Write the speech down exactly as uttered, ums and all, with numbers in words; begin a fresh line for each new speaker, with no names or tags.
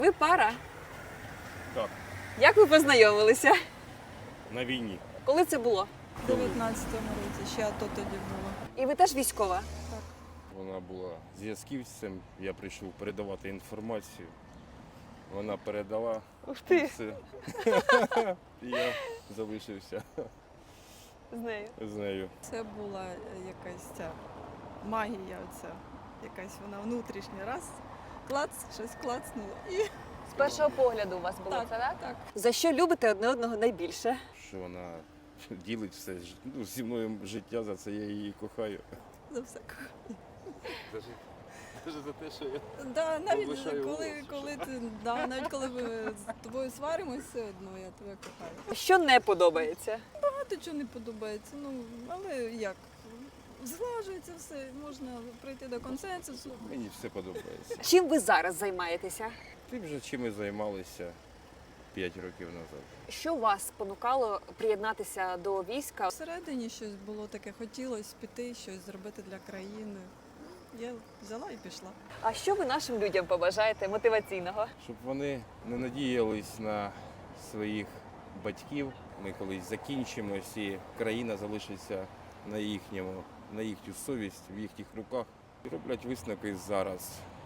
Ви пара?
Так,
Як ви познайомилися?
на війні.
Коли це було?
У дев'ятнадцятому році, ще АТО тоді було.
І ви теж військова?
Вона була зв'язківцем, я прийшов передавати інформацію. Вона передала
Ух
і
ти,
все. І я залишився
з нею.
з нею.
Це була е, якась ця магія, оця, якась вона внутрішня. Раз, клац, щось клацнуло. І
З першого погляду у вас було
Так,
це, так?
так.
За що любите одне одного найбільше?
Що вона ділить все ж- ну, зі мною життя, за це я її кохаю.
за все.
Навіть за те, що я
Да, навіть
Повишаю
коли,
голос,
коли ти, да, навіть коли ми з тобою сваримось, все одно я тебе кохаю.
Що не подобається?
Багато чого не подобається, ну але як? Зглажується все, можна прийти до консенсусу.
мені все подобається.
Чим ви зараз займаєтеся?
Тим же, чим ми займалися п'ять років назад.
Що вас спонукало приєднатися до війська?
Всередині щось було таке, хотілося піти, щось зробити для країни. Я взяла і пішла.
А що ви нашим людям побажаєте мотиваційного?
Щоб вони не надіялись на своїх батьків. Ми колись закінчимось і країна залишиться на їхньому, на їхню совість, в їхніх руках. І роблять висновки зараз.